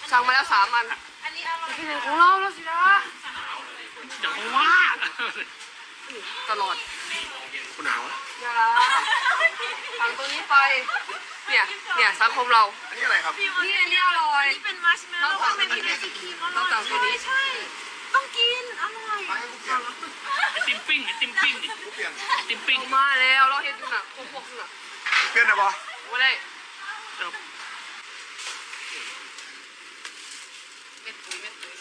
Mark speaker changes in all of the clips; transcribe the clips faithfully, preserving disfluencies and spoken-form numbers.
Speaker 1: สั่งมาแล้วสามอันอันนี้อร่อยของเราแล้วสินะ
Speaker 2: เดี๋ยวว่า
Speaker 1: ตลอด
Speaker 3: คุณหนาว
Speaker 1: อย่าสั่งตัวนี้ไปเนี่ยเนี่ยสังคมเรา
Speaker 3: อันนี้อะไรครับ
Speaker 1: นี่อันนี้อร่อย
Speaker 4: นี่เป็นมัชเมลโล่ข้างในมีไอศครีมอร่อย
Speaker 1: ต้องสั่งตัวนี้
Speaker 4: ใช่ต้องกินอร่อย
Speaker 2: ไอติมปิ้งไอติมปิ้งไอติมปิ้ง
Speaker 1: มาแล้วเราเห็นอยู่น่ะพวกพวกน่ะ
Speaker 3: เปลี่ยนได้ปะ
Speaker 1: ไม่ได้เม็ดปุ๋ยเม็ดปุ๋ย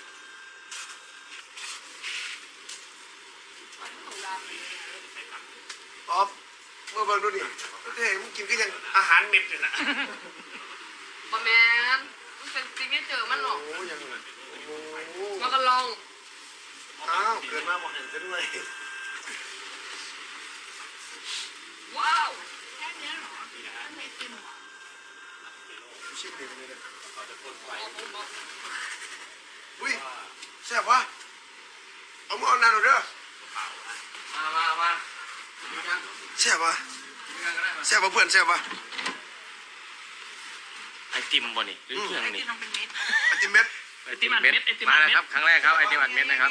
Speaker 3: อ๊อฟเมื่อเบิ่งดูดิเฮ้ยมึงกินก็ยังอาหารเม็ดเลยนะ
Speaker 1: บะแมนมันเป็นซิกเนเจอร์มันหรอก
Speaker 3: โอ้ยังโอ้
Speaker 1: มากันลอง
Speaker 3: อ้าวเกิดมาบอกเห็นซะด้วย
Speaker 1: ว้าว
Speaker 4: แค่นี้หรอไม่ติมหรอ
Speaker 3: ชิมดีไปเลยอุ้ยแซ่บวะเอามือเอานานหน่อยเด้อ
Speaker 2: มามามา
Speaker 3: แซ่บวะแซ่บวะเพื่อนแซ่บวะ
Speaker 2: ไอติมบ่นี่หรือเครื่องนี่
Speaker 3: ไอติมเม็ด
Speaker 2: ไอติมอัดเม็ดไอติมอัดเม็ด
Speaker 5: มาแล้วครับครั้งแรกครับไอติมอัดเม็ดนะครับ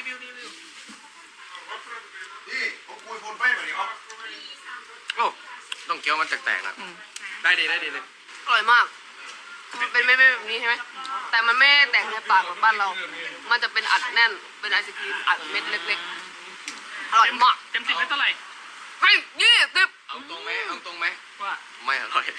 Speaker 3: นี่ผมคุยโฟนไปแบบนี้ครับ
Speaker 5: โอ้ต้องเคี้ยวมันแตกๆนะได้ดีได้ดีเลย
Speaker 1: อร่อยมากมันเป็นไม่แบบนี้ใช่ไหมแต่มันไม่แตกในปากเหมือนบ้านเรามันจะเป็นอัดแน่นเป็นไอศครีมอัดเม็ดเล็กๆอร่อยมาก
Speaker 2: เต็มสิบให้เท่าไหร่
Speaker 1: ให้ยี่สิบ
Speaker 5: เอาตรงไหมเอาตรงไหม
Speaker 2: ว่า
Speaker 5: ไม่อร่อย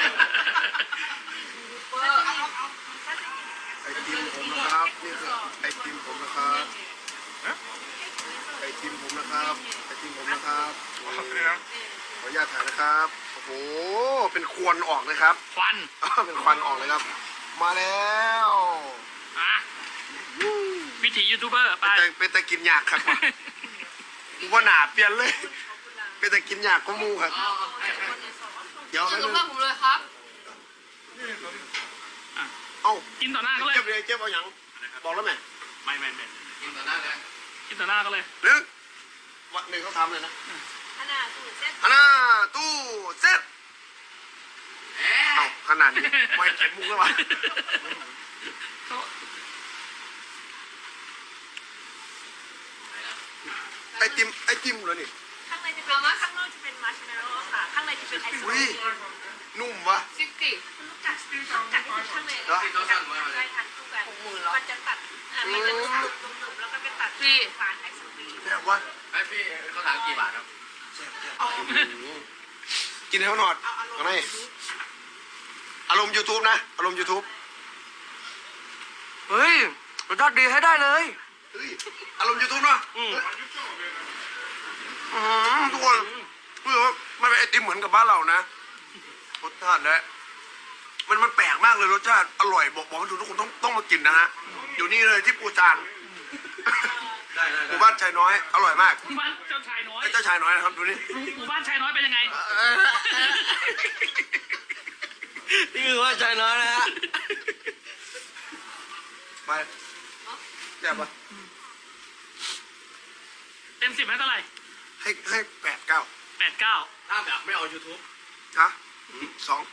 Speaker 3: ไอติมผมนะครับนี่คือไอติมผมนะครับไอติมผมนะครับไอติมผมนะครับขออนุญาตถ่ายนะครับโอ้โหเป็นควันออกเลยครับ
Speaker 2: ควัน
Speaker 3: เป็นควันออกเลยครับมาแล้ว
Speaker 2: อ่ะวิถียูทูบเบอร์ไป
Speaker 3: เป็นแต่กินยากครับว่าหนาเปลี่ยนเลยเป็นแต่กินยากก็มูครับเดี๋ยว
Speaker 1: กินกับเพื่อนผมเลยครับ
Speaker 3: เอ้า
Speaker 2: กินต่อหน้าก็เลย
Speaker 3: เจ็บเลยเจ็บเอาอย่างบอกแล้วไหม
Speaker 2: ไม่ไม่ไม่
Speaker 5: กินต่อหน้าเลย
Speaker 2: กินต่อหน้าก็เลย
Speaker 3: หรือวันหนึ่งเขาทำเลยนะ
Speaker 4: ขนาดตู้เซ็ต
Speaker 3: ขนาดตู้เซ็ตเอ้าขนาดนี้ไม่เก็บมุกแล้ววะไอติมไอติมเหรอนี่
Speaker 4: ข้างในจะเป็นข้างนอกจะเป็นมัชเมลโล่ค่ะข้างในจะเป็นไอศครีม
Speaker 3: นุ่มวะ
Speaker 1: ซิกตี้
Speaker 4: คุณลูกจัดจัดข้างในแล้วได้ทานคู่กันมันจะตัดมันจะนุ่มๆแล้วก็ไปตัดที่หวานไอศครีม
Speaker 3: แบบวะ
Speaker 5: ไอพี่เขาถามกี่บาทครับ
Speaker 3: กินให้เขาหนอดเอาไหมอารมณ์ ยูทูบ นะอารมณ์ ยูทูบ
Speaker 1: เฮ้ยรสชาติดีให้ได้เลย
Speaker 3: เฮ้ยอารมณ์ ยูทูบ เนาะอืมทุกคนเพื่อว่าไม่เป็นไอติมเหมือนกับบ้านเรานะรสชาติและมันมันแปลกมากเลยรสชาติอร่อยบอกบอกให้ทุกคนต้องต้องมากินนะฮะอยู่นี่เลยที่ปูจานหมู่บ้านชายน้อยอร่อยมาก
Speaker 2: หมู่บ้านเจ้าชายน้อย
Speaker 3: เจ้าชายน้อยนะครับดูนี่
Speaker 2: หมู่บ้านชายน้อยเป็นยังไง
Speaker 5: นี่คือว่าชายน้อยนะฮะ
Speaker 3: ไปแย่ปะ
Speaker 2: เต็มสิบให้เท่าไหร่
Speaker 3: ให้ให้แปดเก้า
Speaker 2: แปดเก้า
Speaker 5: ถ้าแบบไม่เอา ยูทูบ
Speaker 3: ฮะสอง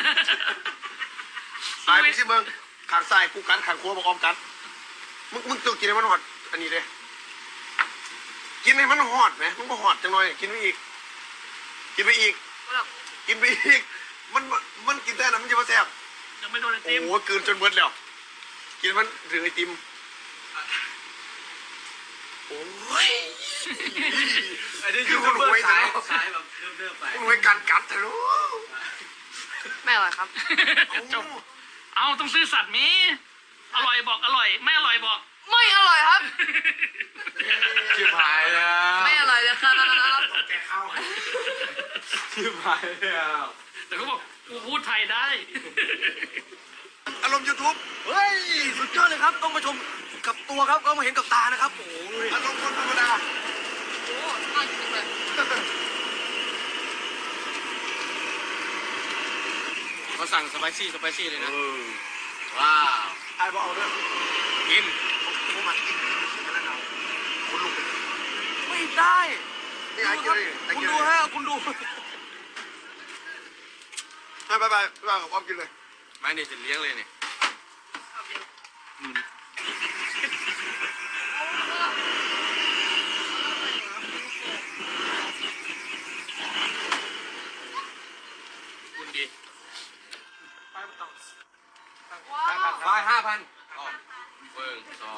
Speaker 3: ตายไปสิเบิ้งขางซ้ายกูกันขางขวาบอกออมกันมึงมึงต้องกินให้มันหอดอันนี้เลยกินให้มันหอดไหมมึงก็หอดจังหน่อยกินไปอีกกินไปอีกกินไปอีกมันมันกินแต่น้ำมันจะมาแซ่บ
Speaker 2: ยังไม่โดนไอติม
Speaker 3: โอ้โหกืนจนเบิดแล้วกินมันถึงไอติมโอ้ย
Speaker 5: ไอ้นี่คือคนรวยสายสายแบบเริ่มๆไป
Speaker 3: คนรวยการกัดเถอะลูก
Speaker 1: ไม่อร่อยครับ
Speaker 2: จบเอาต้องซื้อสัตว์มีอร่อยบอกอร่อยไม่อร่อยบอก
Speaker 1: ไม่อร่อยครับ
Speaker 5: ชิบหายแล้ว
Speaker 1: ไม่อร่อยเลยครับ
Speaker 3: แกเข้า
Speaker 5: ชิบหายแล้ว
Speaker 2: แต่เขาบอกกูพูดไทยได้
Speaker 3: อารมณ์ ยูทูบ
Speaker 5: เฮ้ยสุดยอดเลยครับต้องมาชมกับตัวครับก็มาเห็นกับตานะครับโอ้โห
Speaker 3: อารมณ์คนธรรมดา
Speaker 1: โอ้น่ากินเลย
Speaker 5: เขาสั่งสไปซี่สไปซี่เลยนะว้าว
Speaker 3: ไอ้บอกเอาด้วย
Speaker 5: กิน
Speaker 3: ผมมากินกินกันแล้วคุณลุก
Speaker 5: ไม่ได้
Speaker 3: นี่ไอ้กินเลย
Speaker 5: คุณดูฮะคุณดู
Speaker 3: ไปไปไปไปกับอ้อมกินเลย
Speaker 5: ไม่เนี่ยจะเลี้ยงเลยเนี่ยคุณดี
Speaker 1: ว้าว
Speaker 5: ไฟห้าพันเฟิงสอง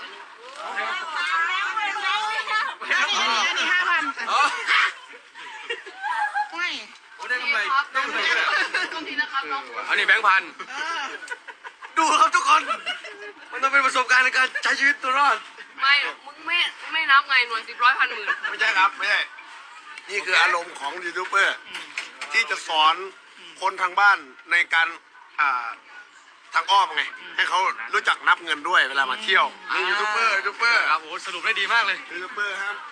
Speaker 4: อันนี้ห้าพัน
Speaker 5: อ๋อ
Speaker 4: ไม่
Speaker 5: โอ้ได้กำไร
Speaker 1: ครับ
Speaker 5: ได้กำไรเลย
Speaker 1: ตรงนี้นะครับน้อง
Speaker 5: อันนี้แบงค์พันดูครับทุกคน มันต้องเป็นประสบการณ์ในการใช้ชีวิตตัวรอด
Speaker 1: ไม่มึงไม่ไม่นับไงหน่วยสิบร้อยพันหมื่น
Speaker 3: ไม่ใช่ครับไม่ใช่นี่คืออารมณ์ของยูทูบเบอร์ที่จะสอนคนทางบ้านในการอ่าทางอ้อมไงให้เขารู้จักนับเงินด้วยเวลามาเที่ยวนี่ยูทูบเบอร์ยูทูบเบอร์
Speaker 5: ครับโอ้สรุปได้ดีมากเลย
Speaker 3: ยูทูบเบอร์ครับ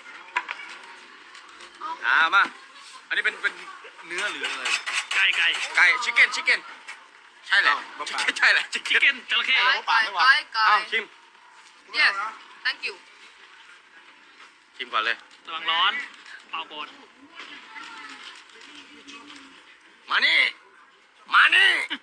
Speaker 5: อ่ามา อันนี้เป็นเป็นเนื้อหรืออะไร
Speaker 2: ไก่ไก่
Speaker 5: ไก่ชิคเก้นชิคเก้นใช่แหละใช่แหละชิค
Speaker 2: ชิค
Speaker 5: เก้น
Speaker 2: เก้นจระเข้
Speaker 1: ไก่ไก่ไก่ไก่
Speaker 5: อ้าวชิม
Speaker 1: yes thank you
Speaker 5: ชิมก่อนเลย
Speaker 2: ระวังร้อนเป่าโบน
Speaker 5: มานี่ มานี่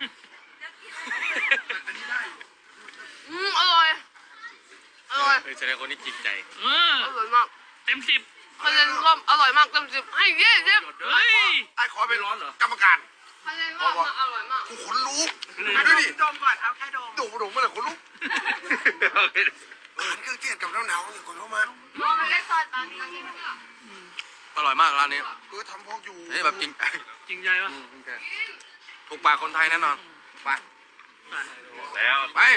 Speaker 1: อืมอร่อยอร่อย
Speaker 5: เฮ้ยแสดงคนนี้จริงใจ
Speaker 2: เออ
Speaker 1: อร่อยมาก
Speaker 2: เต็มสิบ
Speaker 1: คะแนนก็อร่อยมากเต็มสิบให้ยี่สิบ
Speaker 2: เฮ้ย
Speaker 3: ไอ้ขอเป็นกรรมการ
Speaker 1: คะแนนก็มาอร่อยมาก
Speaker 3: กูขนลุกดูดิ
Speaker 4: ดมก่อนเอาแค่ดม
Speaker 3: ดูดูเมื่อไหร่ขนลุกอาหารเครื่องเทศกับหนาวๆนี่ก่อนเข้ามา
Speaker 1: ลองเล็กซอยตาดี
Speaker 5: อร่อยมากร้านนี้
Speaker 3: เออทำพอกอยู่
Speaker 5: นี่แบบจริง
Speaker 2: จริงใจปะ
Speaker 5: ถูกปากคนไทยแน่นอนไป แล้ว ไป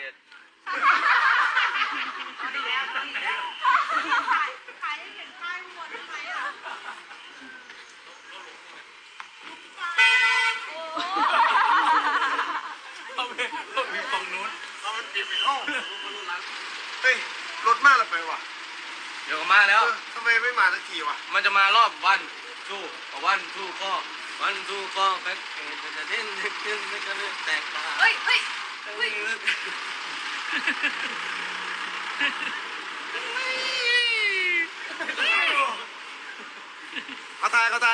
Speaker 2: เอาไปเอาไปฝั่งนู้น
Speaker 3: เอามันปิดไปห้องเฮ้ยรถมากเลยไปว่ะ
Speaker 5: เดี๋ยวก็มาแล้ว
Speaker 3: เออทำไมไม่มาสักทีวะ
Speaker 5: มันจะมารอบวันทูวันทูข้อวันทูข้อแพ็คเกจจะเด่นขึ้นไม่ก็เลือกแตกต่าง
Speaker 1: เฮ้ยเฮ้ยเฮ้ย
Speaker 3: เขาตายเขาตาย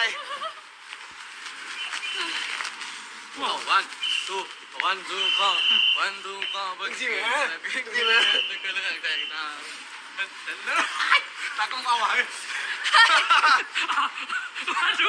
Speaker 5: วันทูวันทูข้อวันทูข้อแพ็คเกจจะเด่นขึ้นไม่ก็เลือกแตกต่างตากล้องเอาไว้
Speaker 2: มาดู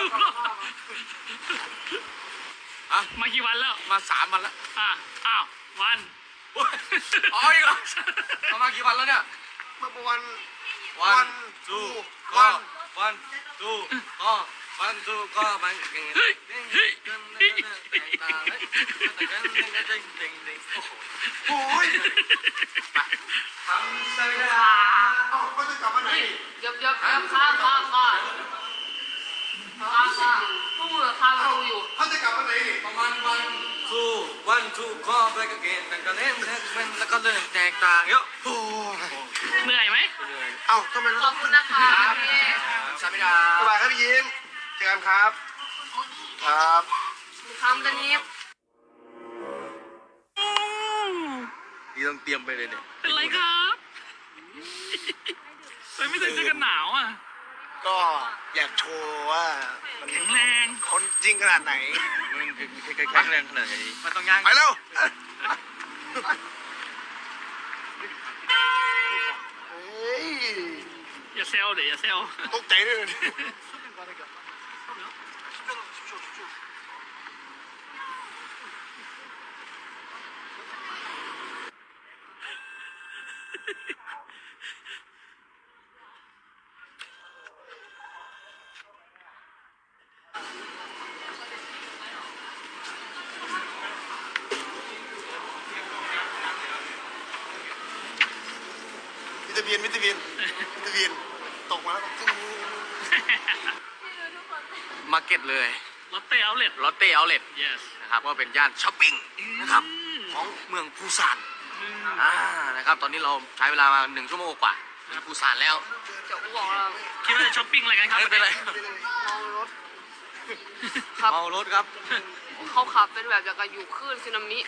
Speaker 5: อ่ะ
Speaker 2: มากี่วันแล้ว
Speaker 5: มาสามวันแล้ว
Speaker 2: อ่ะอ้าววัน
Speaker 5: อ๋ออีกเหรอเอามากี่วันแล้วเนี่ย
Speaker 3: เมื่อวัน
Speaker 5: วันทูข้อวันทูข้อวันทูข้อมันเก่งเก่งเก่งเก่งเก่งเก่งเก่งเก่งเก่งโอ้ยทำสัญญา
Speaker 3: เอ้าเขาจะกลับมาไหน
Speaker 1: เดี๋ยวเดี๋ยวข้าข้าข้าข้าข้าข้าพวกมึงข้าประตูอยู่
Speaker 3: เขาจะกลับมาไหนนี่
Speaker 5: ประมาณวันทูวันทูข้อไปก็เก่งแต่ก็เล่นเล่นเล่นแล้วก็เล่นแตกต่างเยอะ
Speaker 3: โอ้ย
Speaker 2: เหนื่อยไหม
Speaker 3: เอ้าทำไมเรา
Speaker 1: ข
Speaker 3: ต้
Speaker 1: อ
Speaker 3: อบ ง
Speaker 1: คุณนะคะพี่
Speaker 5: สามิดา
Speaker 3: สบายครับพี่ยิ้มเจอกันครับ ครับ
Speaker 1: คำตอนนี้
Speaker 5: นี่ต้องเตรียมไปเลยเนี่ย
Speaker 2: เป็นไรครับไปไม่ใส่เสื้อกันหนาวอ่ะ
Speaker 3: ก็อยากโชว์ว่ามัน
Speaker 2: แข็งแรง
Speaker 3: คนจริงขนาดไหน
Speaker 5: มันแข็งแรงขนาดไหนมันต้องย่าง
Speaker 3: ไปเร็วเฮ้ย
Speaker 2: อย่าเซลเดี๋ยวอย่าเซล
Speaker 3: ตกใจด้วยเลย มิตรเบียนมิตรเบียนมิตรเบียนตกมาแล้วก็ตึ้ง
Speaker 5: มาร์เก็ตเลย
Speaker 2: ลอตเต้เอาเล็ต
Speaker 5: ลอตเต้เอาเลท
Speaker 2: yes
Speaker 5: นะครับก็เป็นย่านช้อปปิ้งนะครับของเมืองปูซานอ่านะครับตอนนี้เราใช้เวลามาหนึ่งชั่วโมงกว่าถึงปูซานแล้ว
Speaker 1: จะอ้วกแล้ว
Speaker 2: คิดว่าจะช้อปปิ้งอะไรกันครับ
Speaker 5: ไม่เป็นไร
Speaker 1: เมารถครับ
Speaker 5: เมารถครับ
Speaker 1: เขาขับเป็นแบบจากการอยู่คลื่นสึนามิ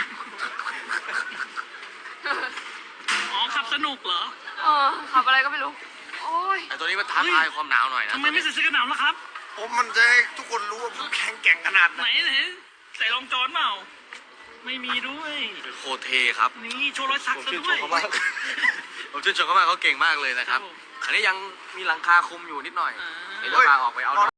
Speaker 2: อ๋อขับสนุกเหรอ
Speaker 1: เออขับอะไรก็ไม่รู้ โอ้ย
Speaker 5: ไอ้ตัวนี้มันท้าทายความหนาวหน่อยนะ
Speaker 2: ทำไมไม่ใส่เสื้อกันหนาวล่ะครับ
Speaker 3: ผมมันจะให้ทุกคนรู้ว่าผมแข็งแกร่งขนาดไห
Speaker 2: ไห
Speaker 3: น
Speaker 2: นไหนใส่รองจอนเปล่า ไม่ไม่มีด้วย
Speaker 5: โคตรเทครับ
Speaker 2: นี่โชว์รอยสัก
Speaker 5: ผม
Speaker 2: ซะ
Speaker 5: ชื่นช
Speaker 2: ด้ว
Speaker 5: ม
Speaker 2: ย
Speaker 5: เขามาก ผมชื่นชมเขามากเขาเก่งมากเลยนะครับ
Speaker 2: ครับผม
Speaker 5: อันนี้ยังมีหลังคาคุมอยู่นิดหน่อย
Speaker 2: อ่า
Speaker 5: เดี๋ยวจะพาออกไปเอา